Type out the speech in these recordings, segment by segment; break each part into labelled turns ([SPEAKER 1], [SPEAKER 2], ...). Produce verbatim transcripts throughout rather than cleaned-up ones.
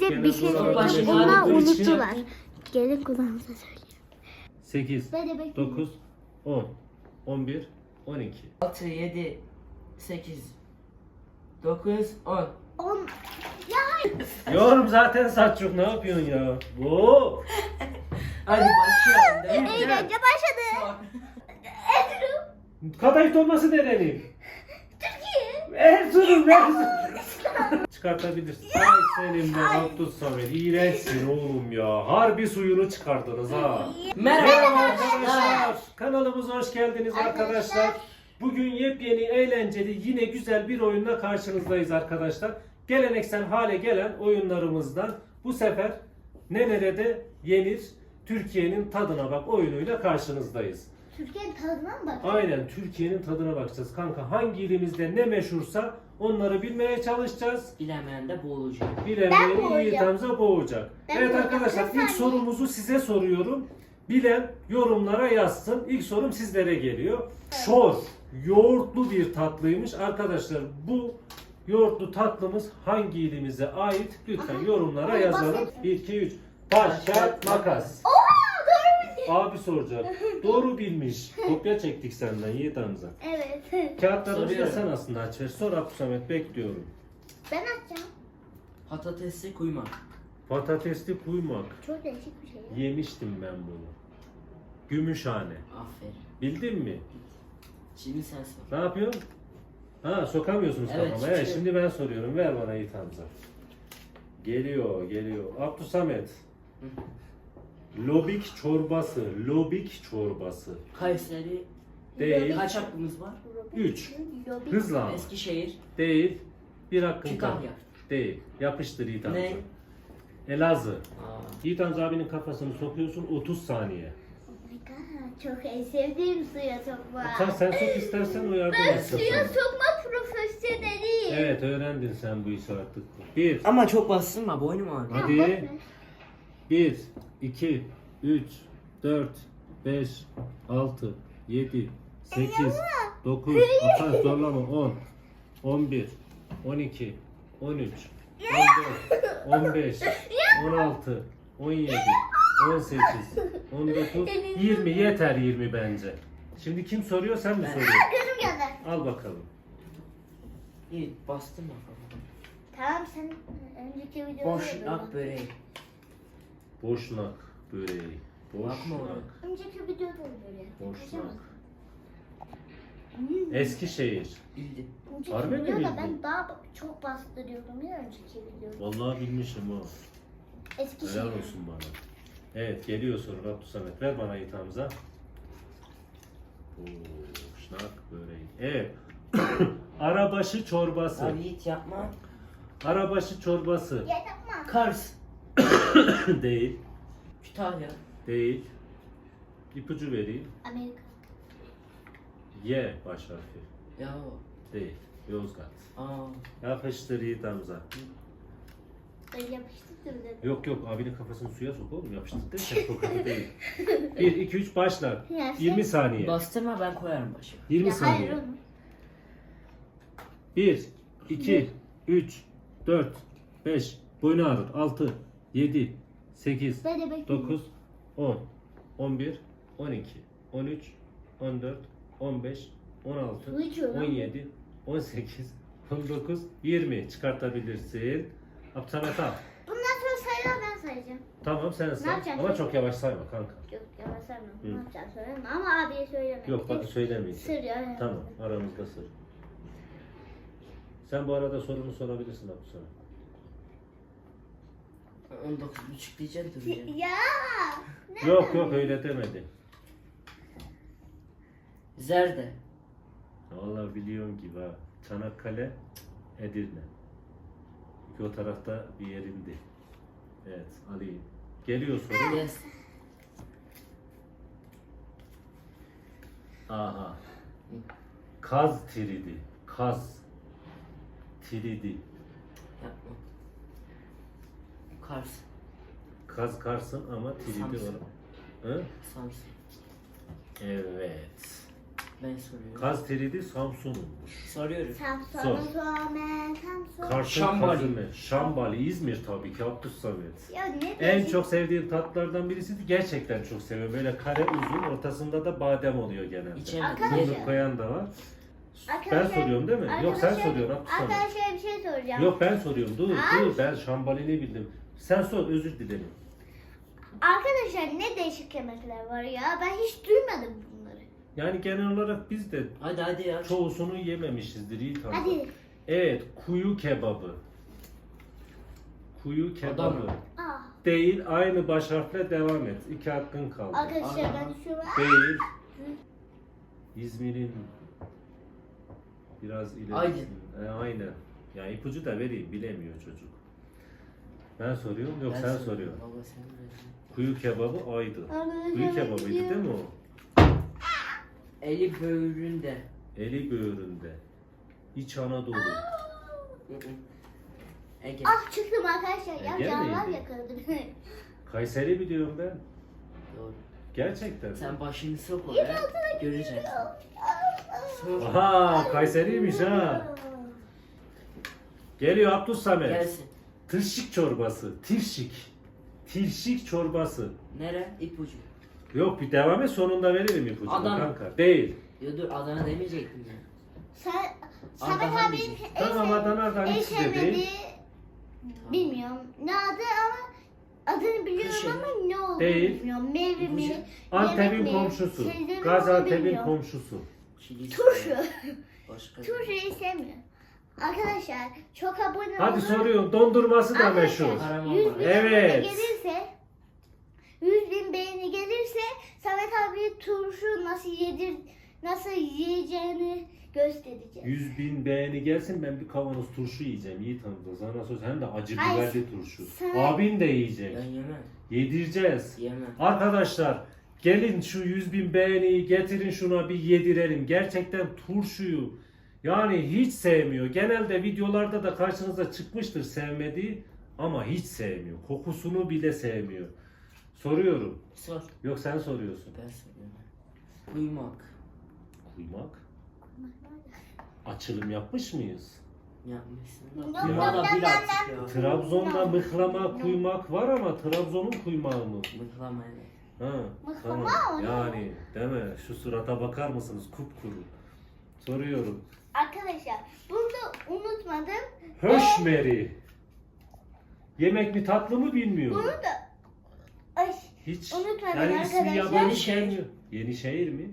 [SPEAKER 1] Size
[SPEAKER 2] Gene
[SPEAKER 1] bir şey
[SPEAKER 2] sonra
[SPEAKER 1] söyleyeceğim.
[SPEAKER 2] başka
[SPEAKER 1] Onlar
[SPEAKER 2] bir şey
[SPEAKER 1] unuttular.
[SPEAKER 2] yaptım.
[SPEAKER 1] Gelin kulağınıza söyleyeyim.
[SPEAKER 2] sekiz,
[SPEAKER 1] Ben de bekliyorum.
[SPEAKER 2] dokuz, on, on bir, on iki.
[SPEAKER 3] altı, yedi, sekiz, dokuz, on.
[SPEAKER 1] On. Ya
[SPEAKER 2] Yorum zaten Selçuk, ne yapıyorsun ya? Oo.
[SPEAKER 3] Hadi başlayalım. Devam.
[SPEAKER 1] eğlence başladı.
[SPEAKER 2] Kadayıf dolması denelim.
[SPEAKER 1] Türkiye.
[SPEAKER 2] Erzurum, Erzurum. Çıkartabilirsin. Ay senin be Abdus Samet. İğrençsin oğlum ya. Harbi suyunu çıkardınız ha.
[SPEAKER 3] Merhaba
[SPEAKER 2] Merhaba
[SPEAKER 3] arkadaşlar.
[SPEAKER 2] arkadaşlar. Kanalımıza hoş geldiniz arkadaşlar.
[SPEAKER 1] Arkadaşlar.
[SPEAKER 2] Bugün yepyeni, eğlenceli, yine güzel bir oyunla karşınızdayız arkadaşlar. Geleneksel hale gelen oyunlarımızdan bu sefer ne nerede yenir, Türkiye'nin tadına bak oyunuyla karşınızdayız.
[SPEAKER 1] Türkiye'nin tadına mı bak?
[SPEAKER 2] Aynen, Türkiye'nin tadına bakacağız kanka. Hangi ilimizde ne meşhursa onları bilmeye çalışacağız.
[SPEAKER 3] Bilemeyen de boğulacak.
[SPEAKER 1] Ben
[SPEAKER 2] Bilemeyen
[SPEAKER 1] boğacağım.
[SPEAKER 2] iyi tamza boğacak.
[SPEAKER 1] Ben
[SPEAKER 2] Evet
[SPEAKER 1] boğacağım.
[SPEAKER 2] arkadaşlar,
[SPEAKER 1] Bir
[SPEAKER 2] ilk
[SPEAKER 1] saniye.
[SPEAKER 2] sorumuzu size soruyorum. Bilen yorumlara yazsın. İlk sorum sizlere geliyor. Şor, yoğurtlu bir tatlıymış. Arkadaşlar bu yoğurtlu tatlımız hangi ilimize ait? Lütfen yorumlara
[SPEAKER 1] Ay,
[SPEAKER 2] yazalım.
[SPEAKER 1] basit.
[SPEAKER 2] bir, iki, üç. Taş, kağıt, makas.
[SPEAKER 1] Oha doğru bildim.
[SPEAKER 2] Abi soracak. Doğru bilmiş. Kopya çektik senden Yiğit Hamza.
[SPEAKER 1] Evet.
[SPEAKER 2] Kağıtlarımızı da
[SPEAKER 3] Soruyorum.
[SPEAKER 2] sen aslında aç ver. Sor Abdülsamet, bekliyorum.
[SPEAKER 1] Ben açacağım.
[SPEAKER 3] Patatesli kuymak.
[SPEAKER 2] Patatesli kuymak.
[SPEAKER 1] Çok değişik bir şey. ya.
[SPEAKER 2] Yemiştim ben bunu. Gümüşhane.
[SPEAKER 3] Aferin.
[SPEAKER 2] Bildin mi?
[SPEAKER 3] Şimdi sen sor.
[SPEAKER 2] Ne yapıyorsun? Ha, sokamıyorsunuz
[SPEAKER 3] Evet,
[SPEAKER 2] kafama. Evet,
[SPEAKER 3] çıkıyor.
[SPEAKER 2] şimdi ben soruyorum. Ver bana Yiğit Hamza. Geliyor, geliyor. Abdülsamet. Lobik çorbası. Lobik çorbası.
[SPEAKER 3] Kayseri.
[SPEAKER 2] Değil.
[SPEAKER 3] Kaç hakkımız var?
[SPEAKER 2] Üç.
[SPEAKER 1] Lobi.
[SPEAKER 2] Hızla ama.
[SPEAKER 3] Eskişehir.
[SPEAKER 2] Değil. Bir hakkın
[SPEAKER 3] Kütahya.
[SPEAKER 2] kaldı. Değil. Yapıştır Yiğit Hamza.
[SPEAKER 3] Ne?
[SPEAKER 2] Elazığ.
[SPEAKER 3] Aa.
[SPEAKER 2] Yiğit Hamza abinin kafasını sokuyorsun otuz saniye.
[SPEAKER 1] Oh my god. Çok en sevdiğim suya sokma.
[SPEAKER 2] Sen, sen sok istersen o yardım
[SPEAKER 1] Ben
[SPEAKER 2] etsin
[SPEAKER 1] suya
[SPEAKER 2] sana.
[SPEAKER 1] sokma profesyoneliyim.
[SPEAKER 2] Evet, öğrendin sen bu işi artık. Bir.
[SPEAKER 3] Ama çok bastırma, boynum ağrıyor.
[SPEAKER 2] Hadi. bir, iki, üç, dört, beş, altı, yedi, sekiz, dokuz, atar zorlama, on, on bir, on iki, on üç, on dört, on beş, on altı, on yedi, on sekiz, on dokuz, yirmi. Yeter yirmi bence. Şimdi kim soruyor, sen mi soruyorsun?
[SPEAKER 1] Gözüm geldi.
[SPEAKER 2] Al bakalım.
[SPEAKER 3] İyi, bastırma kafamı.
[SPEAKER 1] Tamam sen önceki videoda
[SPEAKER 3] Boşnak böreği.
[SPEAKER 2] Boşnak böreği.
[SPEAKER 3] Bakma
[SPEAKER 2] Boşnak.
[SPEAKER 3] ona.
[SPEAKER 1] Önceki videoda böyle.
[SPEAKER 2] Boşnak. Eskişehir.
[SPEAKER 3] Bildi.
[SPEAKER 1] Önceki
[SPEAKER 2] Harbi mi
[SPEAKER 1] videoda
[SPEAKER 2] bildin?
[SPEAKER 1] ben daha çok bastırıyordum ya önceki videoda.
[SPEAKER 2] Vallahi bilmişim o.
[SPEAKER 1] Eskişehir.
[SPEAKER 2] Helal olsun bana. Evet, geliyor soru Abdülsamet. Ver bana Yiğit Hamza. Boşnak böreği. Evet. Arabaşı çorbası.
[SPEAKER 3] Abi Yiğit yapma.
[SPEAKER 2] Arabaşı çorbası.
[SPEAKER 1] Ya yapma.
[SPEAKER 3] Kars.
[SPEAKER 2] Değil.
[SPEAKER 3] Kütahya.
[SPEAKER 2] Değil. İpucu vereyim.
[SPEAKER 1] Amerika.
[SPEAKER 2] Y baş harfi.
[SPEAKER 3] Ya.
[SPEAKER 2] Değil. Yozgat.
[SPEAKER 3] Aa.
[SPEAKER 2] Yapıştır Yiğit Hamza.
[SPEAKER 1] Ben yapıştırdım dedim.
[SPEAKER 2] Yok yok, abinin kafasını suya sok oğlum. Yapıştır derken tokadı değil. bir, iki, üç başla.
[SPEAKER 1] Ya sen-
[SPEAKER 2] yirmi saniye.
[SPEAKER 3] Bastırma, ben koyarım başa.
[SPEAKER 2] yirmi
[SPEAKER 1] Ya hayır
[SPEAKER 2] saniye.
[SPEAKER 1] oğlum.
[SPEAKER 2] bir, iki, üç, dört, beş, boynu ağrır. altı, yedi, sekiz,
[SPEAKER 1] Ben de bekliyorum.
[SPEAKER 2] dokuz, on, on bir, on iki, on üç, on dört, on beş, on altı,
[SPEAKER 1] Su içiyor lan
[SPEAKER 2] on
[SPEAKER 1] bu.
[SPEAKER 2] yedi, on sekiz, on dokuz, yirmi çıkartabilirsin. Abdülsamet al.
[SPEAKER 1] Bundan sonra sayılar ben sayacağım.
[SPEAKER 2] Tamam, sen say.
[SPEAKER 1] yapacağım
[SPEAKER 2] Ama
[SPEAKER 1] şimdi?
[SPEAKER 2] çok yavaş sayma kanka.
[SPEAKER 1] Yok yavaş saymam.
[SPEAKER 2] Hı.
[SPEAKER 1] Ne yapacağım söyleme ama abiye söyleme.
[SPEAKER 2] Yok bak, söylemeyeceğim.
[SPEAKER 1] Sır ya.
[SPEAKER 2] Tamam, aramızda sır. Sen bu arada sorunu sorabilirsin Abdülsamet.
[SPEAKER 3] on dokuz buçuk diyeceğim duracağım.
[SPEAKER 1] Ya. Ne?
[SPEAKER 2] Yok yok, öyle demedi.
[SPEAKER 3] Zerde.
[SPEAKER 2] Vallahi biliyorum gibi ha. Çanakkale, Edirne. İki o tarafta bir yerindi. Evet, alayım. Geliyor soru.
[SPEAKER 3] Yes.
[SPEAKER 2] Aha. Kaz tridi. Kaz. Tridi.
[SPEAKER 3] Yapma. Kars.
[SPEAKER 2] Kaz karsın ama tridi
[SPEAKER 3] Samsun.
[SPEAKER 2] var. Hı?
[SPEAKER 3] Samsun.
[SPEAKER 2] Evet.
[SPEAKER 3] Ben soruyorum.
[SPEAKER 2] Kazteridi Samsun'unmuş.
[SPEAKER 3] Soruyorum.
[SPEAKER 1] Samsun'un Suomen, Samsun.
[SPEAKER 2] Karşı
[SPEAKER 3] Şambali.
[SPEAKER 2] Şambali. Şambali, İzmir tabii ki Abdus Samet.
[SPEAKER 1] Ya ne
[SPEAKER 2] En
[SPEAKER 1] değişik.
[SPEAKER 2] çok sevdiğim tatlardan birisiydi. Gerçekten çok seviyorum. Böyle kare uzun, ortasında da badem oluyor genelde.
[SPEAKER 3] İçemedim.
[SPEAKER 1] Arkadaşlar.
[SPEAKER 2] Fındık koyan da var. Ben
[SPEAKER 1] Arkadaşlar-
[SPEAKER 2] soruyorum değil mi? Yok sen
[SPEAKER 1] arkadaşlar-
[SPEAKER 2] soruyorsun Abdus Samet.
[SPEAKER 1] Arkadaşlar bir şey soracağım.
[SPEAKER 2] Yok ben soruyorum. Dur
[SPEAKER 1] Ay.
[SPEAKER 2] dur ben Şambali'ni bildim. Sen sor özür dilerim.
[SPEAKER 1] Arkadaşlar ne değişik yemekler var ya. Ben hiç duymadım bunları.
[SPEAKER 2] Yani genel olarak biz de
[SPEAKER 3] Hadi hadi ya.
[SPEAKER 2] çoğusunu yememişizdir iyi tanıdık.
[SPEAKER 1] Hadi.
[SPEAKER 2] Evet kuyu kebabı. Kuyu kebabı.
[SPEAKER 3] Adana.
[SPEAKER 1] Aa.
[SPEAKER 2] Değil aynı baş harfle devam et. İki hakkın kaldı.
[SPEAKER 1] Arkadaşlar
[SPEAKER 3] Adana.
[SPEAKER 1] ben şu an.
[SPEAKER 2] Değil. İzmir'in biraz ilerisi.
[SPEAKER 3] Aydın.
[SPEAKER 2] E, aynen. Ya ipucu da vereyim bilemiyor çocuk. Ben soruyorum yok
[SPEAKER 3] Ben
[SPEAKER 2] sen
[SPEAKER 3] soruyorum.
[SPEAKER 2] soruyorsun.
[SPEAKER 3] Baba sen ver.
[SPEAKER 2] Kuyu kebabı Aydın. Kuyu kebabıydı değil mi o?
[SPEAKER 3] Eli böğründe.
[SPEAKER 2] Eli böğründe. İç Anadolu.
[SPEAKER 3] Hı hı. Ege.
[SPEAKER 1] Ah çıktım arkadaşlar. Ya
[SPEAKER 2] Ege
[SPEAKER 1] canlar
[SPEAKER 2] miydi?
[SPEAKER 1] yakaladı.
[SPEAKER 2] Kayseri biliyorum ben.
[SPEAKER 3] Doğru.
[SPEAKER 2] Gerçekten.
[SPEAKER 3] Sen başını sok oraya. Göreceksin. Sor.
[SPEAKER 2] Aha Kayseriymiş ha. Geliyor Abdus Samet.
[SPEAKER 3] Gelsin.
[SPEAKER 2] Tırşık çorbası. Tirşik. Tirşik çorbası.
[SPEAKER 3] Nere? İpucu.
[SPEAKER 2] Yok bir devam et sonunda veririm ipucunu
[SPEAKER 3] Adana.
[SPEAKER 2] kanka. Değil.
[SPEAKER 3] Yo dur Adana demeyecektim ya.
[SPEAKER 1] Sen,
[SPEAKER 3] Adana
[SPEAKER 1] Samet abinin
[SPEAKER 3] diyeceksin.
[SPEAKER 1] en
[SPEAKER 2] Tamam,
[SPEAKER 1] sev-
[SPEAKER 2] Adana'dan
[SPEAKER 1] en
[SPEAKER 2] ikisi de
[SPEAKER 1] sevmediği
[SPEAKER 2] değil.
[SPEAKER 1] bilmiyorum. Ne adı ama adını biliyorum
[SPEAKER 3] Kırşehir.
[SPEAKER 1] ama ne olduğunu
[SPEAKER 2] Değil.
[SPEAKER 1] bilmiyorum. Meyve mi?
[SPEAKER 3] İpucu.
[SPEAKER 1] yemek
[SPEAKER 2] Antep'in
[SPEAKER 1] mi,
[SPEAKER 2] komşusu.
[SPEAKER 1] sebze mi, onu
[SPEAKER 2] Gaziantep'in
[SPEAKER 1] bilmiyorum.
[SPEAKER 2] komşusu.
[SPEAKER 3] Çiğ
[SPEAKER 1] Turşu.
[SPEAKER 3] Başka.
[SPEAKER 1] Turşuyu sevmiyorum. Arkadaşlar çok abone
[SPEAKER 2] Hadi
[SPEAKER 1] olun.
[SPEAKER 2] soruyorum dondurması da
[SPEAKER 1] Arkadaşlar,
[SPEAKER 2] meşhur.
[SPEAKER 3] Kahraman
[SPEAKER 1] yüz
[SPEAKER 3] var.
[SPEAKER 1] bin
[SPEAKER 2] Evet.
[SPEAKER 1] beğeni gelirse yüz bin beğeni gelirse Samet abi turşu nasıl yedir nasıl yiyeceğini göstereceğim.
[SPEAKER 2] yüz bin beğeni gelsin ben bir kavanoz turşu yiyeceğim. İyi tanıdın sana söz hem de acı
[SPEAKER 1] Ay,
[SPEAKER 2] biberli turşu.
[SPEAKER 1] sen-
[SPEAKER 2] Abin de yiyecek.
[SPEAKER 3] Ben yemem.
[SPEAKER 2] Yedireceğiz.
[SPEAKER 3] Yemem.
[SPEAKER 2] Arkadaşlar gelin şu yüz bin beğeniyi getirin şuna bir yedirelim. Gerçekten turşuyu yani hiç sevmiyor. Genelde videolarda da karşınıza çıkmıştır sevmediği ama hiç sevmiyor. Kokusunu bile sevmiyor. Soruyorum.
[SPEAKER 3] Sor.
[SPEAKER 2] Yok sen soruyorsun.
[SPEAKER 3] Ben soruyorum. Uyumak.
[SPEAKER 2] Kuymak. Açılım yapmış mıyız?
[SPEAKER 3] Yapmışsın.
[SPEAKER 1] Yok,
[SPEAKER 3] Uyuma da
[SPEAKER 1] yok,
[SPEAKER 3] bir
[SPEAKER 1] yok,
[SPEAKER 3] artık ya.
[SPEAKER 2] Trabzon'da mıhlama kuymak var ama Trabzon'un kuymağı mı?
[SPEAKER 3] Mıhlama evet.
[SPEAKER 2] Ha,
[SPEAKER 1] Mıhlama
[SPEAKER 2] tamam.
[SPEAKER 1] o ne?
[SPEAKER 2] Yani deme şu surata bakar mısınız kupkuru. Soruyorum.
[SPEAKER 1] Arkadaşlar bunu da unutmadım.
[SPEAKER 2] Höşmeri. Yemek mi tatlı mı bilmiyorum.
[SPEAKER 1] Bunu da ay
[SPEAKER 2] Hiç.
[SPEAKER 1] unutmadım
[SPEAKER 2] Yani ismi
[SPEAKER 1] arkadaşlar.
[SPEAKER 2] yabancı
[SPEAKER 3] Yenişehir.
[SPEAKER 2] gelmiyor. Yenişehir mi?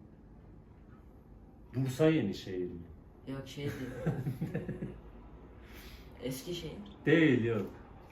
[SPEAKER 2] Bursa Yenişehir mi?
[SPEAKER 3] Yok şey değil. Eskişehir.
[SPEAKER 2] Değil yok.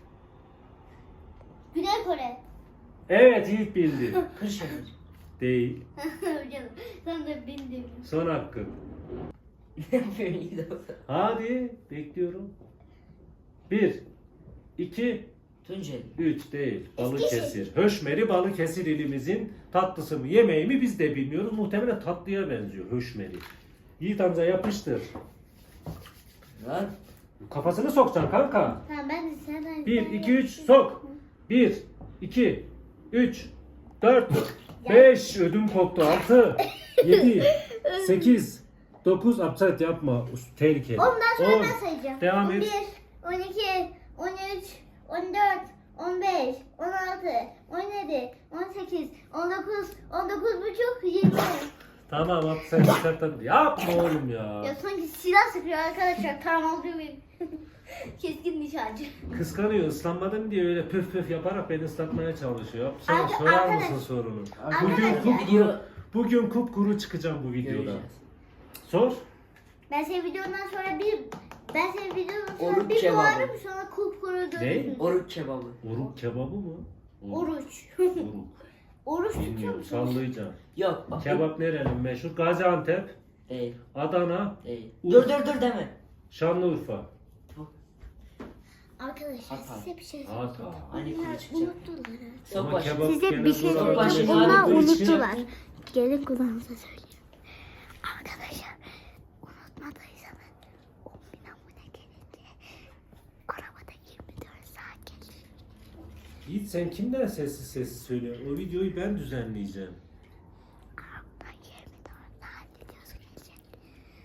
[SPEAKER 1] Güney Kore.
[SPEAKER 2] Evet ilk bildi.
[SPEAKER 3] Kırşehir.
[SPEAKER 2] Değil.
[SPEAKER 1] Canım sen de bildim.
[SPEAKER 2] Son hakkın.
[SPEAKER 3] Ne yapıyorsun iyi de olsa.
[SPEAKER 2] Hadi bekliyorum. Bir, iki,
[SPEAKER 3] Tunceli.
[SPEAKER 2] üç değil. Balıkesir. Höşmeri Balıkesir ilimizin tatlısı mı yemeği mi biz de bilmiyoruz. Muhtemelen tatlıya benziyor höşmeri. Yiğit amca yapıştır.
[SPEAKER 3] Lan.
[SPEAKER 2] Kafasını sokacaksın kanka.
[SPEAKER 1] Tamam ben de senden.
[SPEAKER 2] Bir, iki, üç sok. Bir, iki, üç, dört, beş. Ödüm koptu. Altı, yedi, sekiz, dokuz. Absent yapma. Tehlikeli.
[SPEAKER 1] Ondan sonra
[SPEAKER 2] On.
[SPEAKER 1] ben sayacağım.
[SPEAKER 2] Devam et.
[SPEAKER 1] on bir, on iki, on üç, on dört, on beş, on altı, on yedi, on sekiz, on dokuz, on dokuz buçuk, yirmi.
[SPEAKER 2] Tamam absent absent. Yapma oğlum ya.
[SPEAKER 1] Ya sanki silah sıkıyor arkadaşlar. Tam olduğu benim. Keskin nişancı.
[SPEAKER 2] Kıskanıyor. Islanmadım diye öyle püf püf yaparak beni ıslatmaya çalışıyor. Sen
[SPEAKER 1] Arka-
[SPEAKER 2] sorar
[SPEAKER 1] arkadaş-
[SPEAKER 2] mısın sorunu?
[SPEAKER 1] Arkadaşlar-
[SPEAKER 2] Bugün kupkuru,
[SPEAKER 3] Video
[SPEAKER 2] bugün kupkuru çıkacağım bu videoda.
[SPEAKER 3] göreceğiz.
[SPEAKER 2] Sor.
[SPEAKER 1] Ben senin videondan sonra bir ben senin videondan sonra
[SPEAKER 3] Oruç
[SPEAKER 1] bir
[SPEAKER 3] kebabı.
[SPEAKER 1] doğarım sonra kupkuru görürsün.
[SPEAKER 3] Oruç kebabı.
[SPEAKER 2] Oruk kebabı mı?
[SPEAKER 1] Oruç.
[SPEAKER 2] Oruk.
[SPEAKER 1] Oruç tutuyor
[SPEAKER 2] Bilmiyorum.
[SPEAKER 1] musun?
[SPEAKER 2] Sallayacağım.
[SPEAKER 3] Yok bak.
[SPEAKER 2] Kebap nerenin meşhur? Gaziantep,
[SPEAKER 3] Değil.
[SPEAKER 2] Adana,
[SPEAKER 3] Değil.
[SPEAKER 2] Ur-
[SPEAKER 3] Dur dur dur deme.
[SPEAKER 2] Şanlıurfa.
[SPEAKER 1] Arkadaşlar
[SPEAKER 3] Hata.
[SPEAKER 1] size bir şey
[SPEAKER 2] Hata.
[SPEAKER 1] söyleyeceğim.
[SPEAKER 3] Hani
[SPEAKER 1] Onlar
[SPEAKER 3] kuru çıkacak.
[SPEAKER 1] unuttular.
[SPEAKER 3] Sok
[SPEAKER 2] Ama
[SPEAKER 3] başı.
[SPEAKER 2] kebap
[SPEAKER 1] Size
[SPEAKER 2] genel
[SPEAKER 1] bir şey
[SPEAKER 2] olarak
[SPEAKER 3] Başını
[SPEAKER 1] söyleyeceğim.
[SPEAKER 2] böyle
[SPEAKER 1] Onlar
[SPEAKER 2] olduğu için-
[SPEAKER 1] unuttular. Gelin kulağınıza söyleyeyim. Arkadaşlar unutmadıysanız on bin abone gelince arabada yirmi dört saat gelir.
[SPEAKER 2] Yiğit sen kimden sessiz sessiz söylüyorsun? O videoyu ben düzenleyeceğim.
[SPEAKER 1] Arabada yirmi dört saat gelir.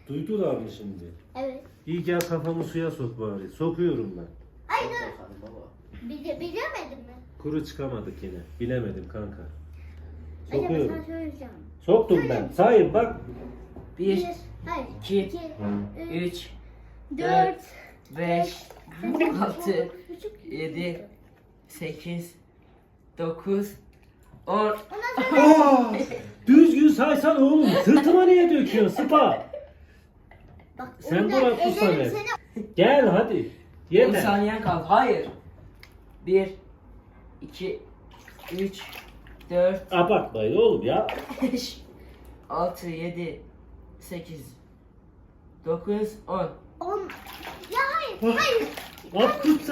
[SPEAKER 2] Duydular mı şimdi?
[SPEAKER 1] Evet.
[SPEAKER 2] İyi gel kafamı suya sok bari. Sokuyorum ben.
[SPEAKER 1] Ay dur.
[SPEAKER 3] Bakalım baba.
[SPEAKER 1] Bile, bilemedin mi?
[SPEAKER 2] Kuru çıkamadık yine. Bilemedim kanka.
[SPEAKER 1] Acaba
[SPEAKER 2] Sokuyorum.
[SPEAKER 1] sana söyleyeceğim.
[SPEAKER 2] Soktum ben. Sayın bak.
[SPEAKER 3] Bir,
[SPEAKER 1] Hayır.
[SPEAKER 3] iki,
[SPEAKER 1] iki,
[SPEAKER 3] üç,
[SPEAKER 1] dört,
[SPEAKER 3] beş, altı, yedi, sekiz, dokuz, on.
[SPEAKER 1] Ondan sonra
[SPEAKER 2] Aa, düzgün saysan oğlum. Sırtıma niye döküyorsun Sıpa?
[SPEAKER 1] bak.
[SPEAKER 2] Sen
[SPEAKER 1] ondan
[SPEAKER 2] dur Abdus
[SPEAKER 1] ederim
[SPEAKER 2] Samet.
[SPEAKER 1] seni.
[SPEAKER 2] Gel hadi.
[SPEAKER 3] on
[SPEAKER 2] Yeter.
[SPEAKER 3] saniyen kaldı. Hayır. Bir, iki, üç, dört,
[SPEAKER 2] Abartmayın oğlum ya.
[SPEAKER 3] beş, altı, yedi, sekiz, dokuz, on.
[SPEAKER 1] On. Ya hayır. Hayır.
[SPEAKER 2] Abdus.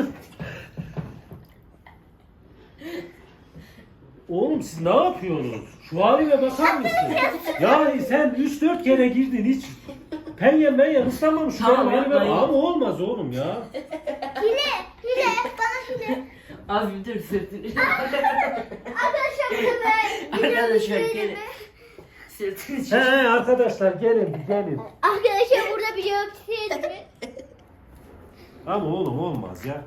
[SPEAKER 2] Oğlum siz ne yapıyorsunuz? Şu halime bakar mısın? Yani sen üç dört kere girdin hiç. Penye menye ıslanmamış şu
[SPEAKER 3] Tamam,
[SPEAKER 2] benim halime.
[SPEAKER 3] yapmayın.
[SPEAKER 2] Ama olmaz oğlum ya.
[SPEAKER 1] Hile. Hile. Bana hile.
[SPEAKER 3] Az bir dur sırtını.
[SPEAKER 1] Arkadaşlar bunu ben.
[SPEAKER 3] Arkadaşlar
[SPEAKER 1] Biliyorum,
[SPEAKER 3] gelin.
[SPEAKER 1] mi?
[SPEAKER 3] Sırtını
[SPEAKER 2] He
[SPEAKER 3] çek.
[SPEAKER 2] he arkadaşlar gelin gelin.
[SPEAKER 1] Arkadaşlar burada biliyorum siz mi?
[SPEAKER 2] Ama oğlum olmaz ya.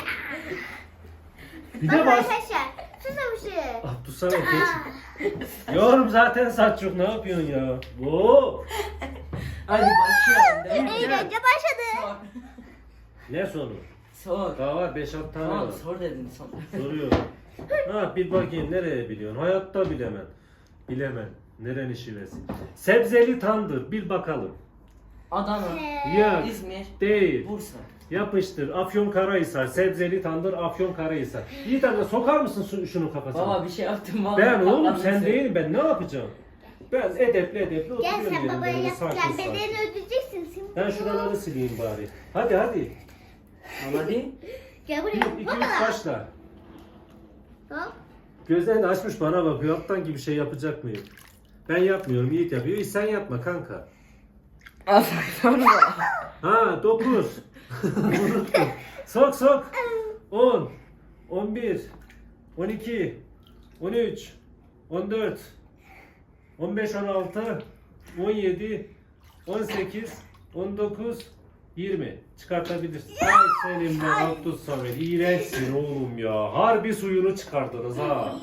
[SPEAKER 2] Bir de bas.
[SPEAKER 1] Arkadaşlar susamışım.
[SPEAKER 2] Abdus Samet geç. Yorum zaten saç yok ne yapıyorsun ya? Oo.
[SPEAKER 3] Hadi başlayalım. değil mi?
[SPEAKER 1] Eğlence başladı.
[SPEAKER 3] Sor.
[SPEAKER 2] Ne sonu?
[SPEAKER 3] Sor.
[SPEAKER 2] Daha var beş altı tane var.
[SPEAKER 3] Tamam sor dedin son.
[SPEAKER 2] Soruyorum. Ha bir bakayım nereye biliyorsun? Hayatta bilemem. Bilemem. Nerenin şivesi? Sebzeli tandır. Bir bakalım.
[SPEAKER 3] Adana,
[SPEAKER 2] Ya
[SPEAKER 3] İzmir,
[SPEAKER 2] değil.
[SPEAKER 3] Bursa.
[SPEAKER 2] Yapıştır. Afyonkarahisar. Sebzeli tandır Afyonkarahisar. İyi tamam sokar mısın şu- şunu kafasına?
[SPEAKER 3] Baba bir şey yaptım vallahi.
[SPEAKER 2] Ben oğlum
[SPEAKER 3] patladı
[SPEAKER 2] sen
[SPEAKER 3] sen.
[SPEAKER 2] değilim ben ne yapacağım? Ben edepli edepli
[SPEAKER 1] Gel
[SPEAKER 2] oturuyorum
[SPEAKER 1] sen
[SPEAKER 2] yerimde
[SPEAKER 1] babaya
[SPEAKER 2] böyle
[SPEAKER 1] yap.
[SPEAKER 2] sakin
[SPEAKER 1] Gel
[SPEAKER 2] sakin.
[SPEAKER 1] bedelini ödeyeceksin şimdi.
[SPEAKER 2] Ben şuraları sileyim bari. Hadi hadi.
[SPEAKER 3] Hadi.
[SPEAKER 1] Gel
[SPEAKER 2] Bir,
[SPEAKER 1] buraya.
[SPEAKER 2] iki, üç
[SPEAKER 1] Baba.
[SPEAKER 2] başla.
[SPEAKER 1] Hop.
[SPEAKER 2] Gözlerini açmış bana bakıyor. Aptan gibi şey yapacak mıyım? Ben yapmıyorum. Yiğit yapıyor. Hiç sen yapma kanka.
[SPEAKER 3] Aferin.
[SPEAKER 2] Ha dokuz. Unuttum. Sok sok. on. on bir. on iki. on üç. on dört. on beş on altı. on yedi. on sekiz. on dokuz. yirmi. Çıkartabilirsin. Ay senin be Abdus Samet. İğrençsin oğlum ya. Harbi suyunu çıkardınız ha.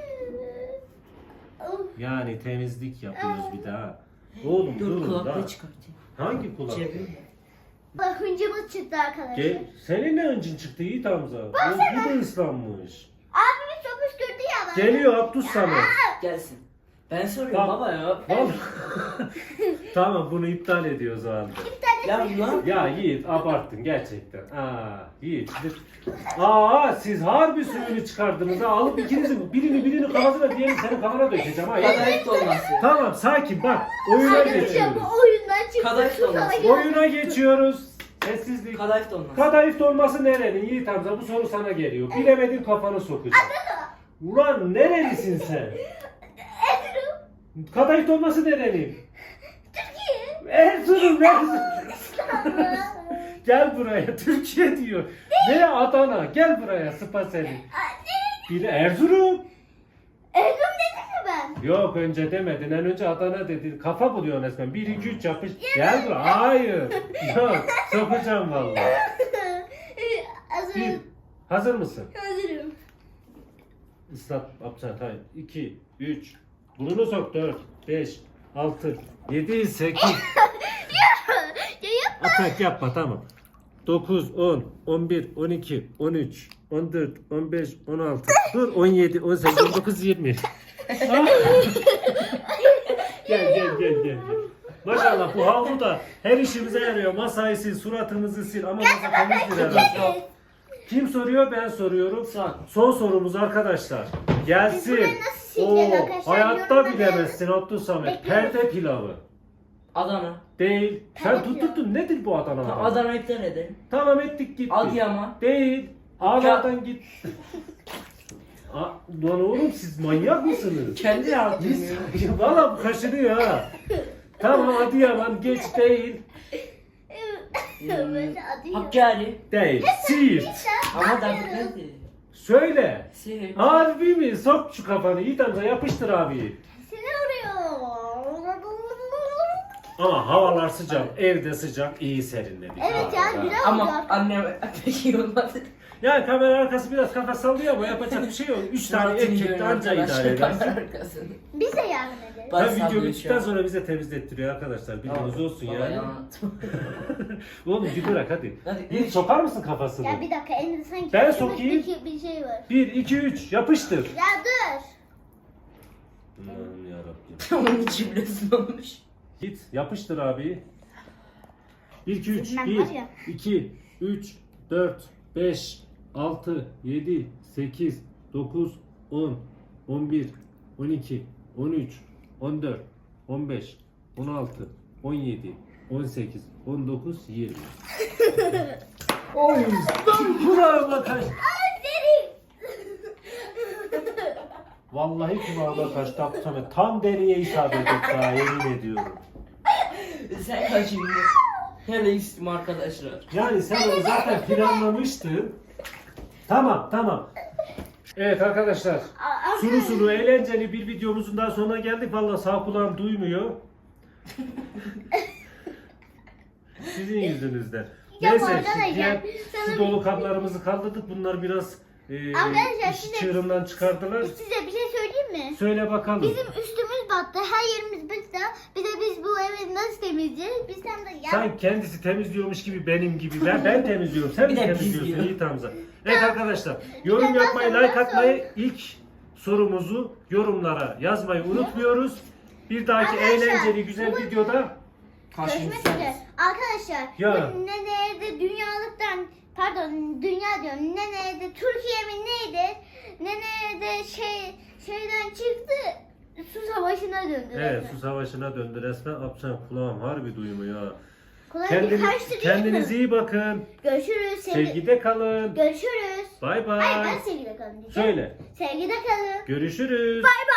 [SPEAKER 2] Yani temizlik yapıyoruz bir daha. Oğlum
[SPEAKER 3] Dur
[SPEAKER 2] durun
[SPEAKER 3] kulaklığı
[SPEAKER 2] da.
[SPEAKER 3] çıkartayım.
[SPEAKER 2] Hangi kulak?
[SPEAKER 3] Cebi.
[SPEAKER 1] Bak hıncımız çıktı arkadaşlar.
[SPEAKER 2] Ge senin ne öncün çıktı Yiğit Hamza? O, bu da ıslanmış.
[SPEAKER 1] Abimiz çok püskürdü ya bana.
[SPEAKER 2] Geliyor Abdus Samet.
[SPEAKER 3] Gelsin. Ben soruyorum
[SPEAKER 2] Tamam.
[SPEAKER 3] baba ya.
[SPEAKER 2] Tamam. Tamam bunu iptal ediyoruz o halde.
[SPEAKER 3] Ya lan.
[SPEAKER 2] Ya Yiğit abarttın gerçekten. Aa Yiğit. Aa siz harbi suyunu çıkardınız ha. Alıp ikinizi birini birini kafasına diğerini senin kafana dökeceğim ha.
[SPEAKER 3] Kadayıf dolması.
[SPEAKER 2] Tamam sakin bak. Oyuna
[SPEAKER 1] Arkadaşlar
[SPEAKER 2] geçiyoruz.
[SPEAKER 1] bu oyundan çıktı.
[SPEAKER 3] Kadayıf
[SPEAKER 1] Susana
[SPEAKER 3] dolması.
[SPEAKER 1] gel.
[SPEAKER 2] Oyuna geçiyoruz. Sessizlik.
[SPEAKER 3] Kadayıf dolması.
[SPEAKER 2] Kadayıf dolması nerenin Yiğit Hamza? Bu soru sana geliyor. Bilemedin kafanı sokacağım. Ulan nerelisin sen?
[SPEAKER 1] Erzurum.
[SPEAKER 2] Kadayıf dolması nerenin?
[SPEAKER 1] Türkiye.
[SPEAKER 2] Erzurum, Erzurum. Gel buraya. Türkiye diyor. Ne Adana? Gel buraya sıpa seni. Bile Erzurum.
[SPEAKER 1] Erzurum dedim mi ben?
[SPEAKER 2] Yok önce demedin. En önce Adana dedin. Kafa buluyorsun resmen. bir iki üç yapış. Gel buraya. Hayır. Yok. Sokacağım vallahi. Bir.
[SPEAKER 1] Hazırım.
[SPEAKER 2] Hazır mısın?
[SPEAKER 1] Hazırım.
[SPEAKER 2] Islat. Yapacağım. Tamam. iki, üç. Burnunu sok. dört, beş, altı, yedi, sekiz.
[SPEAKER 1] Ya yapma.
[SPEAKER 2] Atak yapma tamam. dokuz, on, on bir, on iki, on üç, on dört, on beş, on altı. Dur on yedi, on sekiz, on dokuz, yirmi. Ah! Gel gel gel gel. Maşallah bu havlu da her işimize yarıyor. Masayı sil, suratımızı sil ama masa temizdir herhalde. Kim soruyor? Ben soruyorum.
[SPEAKER 3] Son.
[SPEAKER 2] Son sorumuz arkadaşlar. Gelsin.
[SPEAKER 1] Biz burayı nasıl sileceğiz
[SPEAKER 2] Oo,
[SPEAKER 1] arkadaşlar?
[SPEAKER 2] hayatta
[SPEAKER 1] Yorumlara
[SPEAKER 2] bilemezsin Abdus Samet.
[SPEAKER 1] Bekliyoruz.
[SPEAKER 2] Perde pilavı.
[SPEAKER 3] Adana.
[SPEAKER 2] Değil. Sen
[SPEAKER 1] Perde
[SPEAKER 2] tutturdun. Nedir bu Adana?
[SPEAKER 3] Tamam, Adana'yı iptal edelim.
[SPEAKER 2] Tamam ettik gitti.
[SPEAKER 3] Adıyaman.
[SPEAKER 2] Değil. Ağlardan git. Aa, lan oğlum siz manyak mısınız?
[SPEAKER 3] Kendi yaptım.
[SPEAKER 2] Biz- Valla bu kaşınıyor ha. Tamam Adıyaman geç değil.
[SPEAKER 1] Böyle adı yok.
[SPEAKER 3] Hakkari.
[SPEAKER 2] Değil. Siirt.
[SPEAKER 3] Ama da neydi?
[SPEAKER 2] Söyle.
[SPEAKER 3] Siirt.
[SPEAKER 2] Harbi mi? Sok şu kafanı. Yiğit amca yapıştır abi.
[SPEAKER 1] Seni arıyor.
[SPEAKER 2] Ama havalar sıcak, evde sıcak, iyi serinledik.
[SPEAKER 1] Evet
[SPEAKER 2] abi,
[SPEAKER 1] ya,
[SPEAKER 2] ha.
[SPEAKER 1] güzel.
[SPEAKER 3] Ama annem pek iyi olmadı.
[SPEAKER 2] Yani kamera arkası biraz kafa sallıyor ama yapacak bir şey yok. Üç tane
[SPEAKER 3] Suratını
[SPEAKER 2] erkek de
[SPEAKER 3] görüyorum
[SPEAKER 2] anca idare
[SPEAKER 3] arkadaşlar,
[SPEAKER 2] edersin.
[SPEAKER 3] kamera arkasını.
[SPEAKER 1] Biz de yardım ederiz.
[SPEAKER 3] Bak,
[SPEAKER 2] Ben video
[SPEAKER 3] sallıyor şu
[SPEAKER 2] bittikten
[SPEAKER 3] an.
[SPEAKER 2] sonra bize temizlettiriyor arkadaşlar. Bilginiz olsun
[SPEAKER 3] Baba,
[SPEAKER 2] yani.
[SPEAKER 3] yalan.
[SPEAKER 2] Oğlum bir bırak hadi.
[SPEAKER 3] Hadi,
[SPEAKER 2] Bir
[SPEAKER 3] üç.
[SPEAKER 2] sokar mısın kafasını?
[SPEAKER 1] Ya bir dakika, elinde sanki
[SPEAKER 2] Ben
[SPEAKER 1] kırmızı
[SPEAKER 2] sokayım.
[SPEAKER 1] bir, bir şey var.
[SPEAKER 2] Bir, iki, üç yapıştır.
[SPEAKER 1] Ya dur.
[SPEAKER 2] Aman yarabbim.
[SPEAKER 3] Onun içi bile ısınmış.
[SPEAKER 2] Git yapıştır abi. bir, iki, üç.
[SPEAKER 1] Ben
[SPEAKER 2] bir,
[SPEAKER 1] var ya.
[SPEAKER 2] iki, üç, dört, beş, altı, yedi, sekiz, dokuz, on, on bir, on iki, on üç, on dört, on beş, on altı, on yedi, on sekiz, on dokuz, yirmi. Oy! Kulağıma kaçtı. Vallahi kulağıma kaçtı Abdülhamit. Tam deriye isabet etti ha, yemin ediyorum.
[SPEAKER 3] Sen kaçırdın. Hele istim arkadaşlar.
[SPEAKER 2] Yani sen onu zaten planlamıştın. Tamam, tamam. Evet arkadaşlar,
[SPEAKER 1] Aa,
[SPEAKER 2] sulu sulu eğlenceli bir videomuzun daha sonuna geldik. Vallahi sağ kulağım duymuyor. Sizin yüzünüzden.
[SPEAKER 1] Ya
[SPEAKER 2] Neyse,
[SPEAKER 1] arkadaşlar,
[SPEAKER 2] şu diğer
[SPEAKER 1] sana-
[SPEAKER 2] su dolu kaplarımızı kaldırdık. Bunlar biraz e,
[SPEAKER 1] Arkadaşlar,
[SPEAKER 2] iş
[SPEAKER 1] size-
[SPEAKER 2] çığırından çıkardılar.
[SPEAKER 1] size bir şey söyleyeyim mi?
[SPEAKER 2] Söyle bakalım.
[SPEAKER 1] Bizim üstümüz battı, her yerimiz battı. Bir de biz bu evi nasıl temizleyeceğiz? Biz hem de ya...
[SPEAKER 2] Sen kendisi temizliyormuş gibi benim gibi. Ben, ben temizliyorum. Sen
[SPEAKER 3] Bir
[SPEAKER 2] mi
[SPEAKER 3] de biz
[SPEAKER 2] temizliyorsun?
[SPEAKER 3] diyor.
[SPEAKER 2] İyi Hamza. Evet arkadaşlar. Yorum
[SPEAKER 1] de
[SPEAKER 2] yapmayı,
[SPEAKER 1] ben
[SPEAKER 2] like
[SPEAKER 1] sonra-
[SPEAKER 2] atmayı, ilk sorumuzu yorumlara yazmayı unutmuyoruz. Bir dahaki
[SPEAKER 1] Arkadaşlar,
[SPEAKER 2] eğlenceli güzel
[SPEAKER 1] bu-
[SPEAKER 2] videoda
[SPEAKER 1] Görüşmek üzere. Arkadaşlar,
[SPEAKER 2] Ya.
[SPEAKER 1] bu ne nerede dünyalıktan, pardon dünya diyorum, ne nerede Türkiye mi neydi? Ne nerede şey, şeyden çıktı, su savaşına döndü.
[SPEAKER 2] evet,
[SPEAKER 1] resmen.
[SPEAKER 2] su savaşına döndü resmen. Apçan kulağım harbi duymuyor ha.
[SPEAKER 1] Kolay
[SPEAKER 2] Kendiniz,
[SPEAKER 1] bir karıştırıyor.
[SPEAKER 2] kendinize iyi bakın.
[SPEAKER 1] Görüşürüz. Sevgi...
[SPEAKER 2] Sevgide kalın.
[SPEAKER 1] Görüşürüz.
[SPEAKER 2] Bay
[SPEAKER 1] Hayır,
[SPEAKER 2] bay.
[SPEAKER 1] ben sevgide kalın diyeceğim.
[SPEAKER 2] Söyle.
[SPEAKER 1] Sevgide kalın.
[SPEAKER 2] Görüşürüz.
[SPEAKER 1] Bay bay.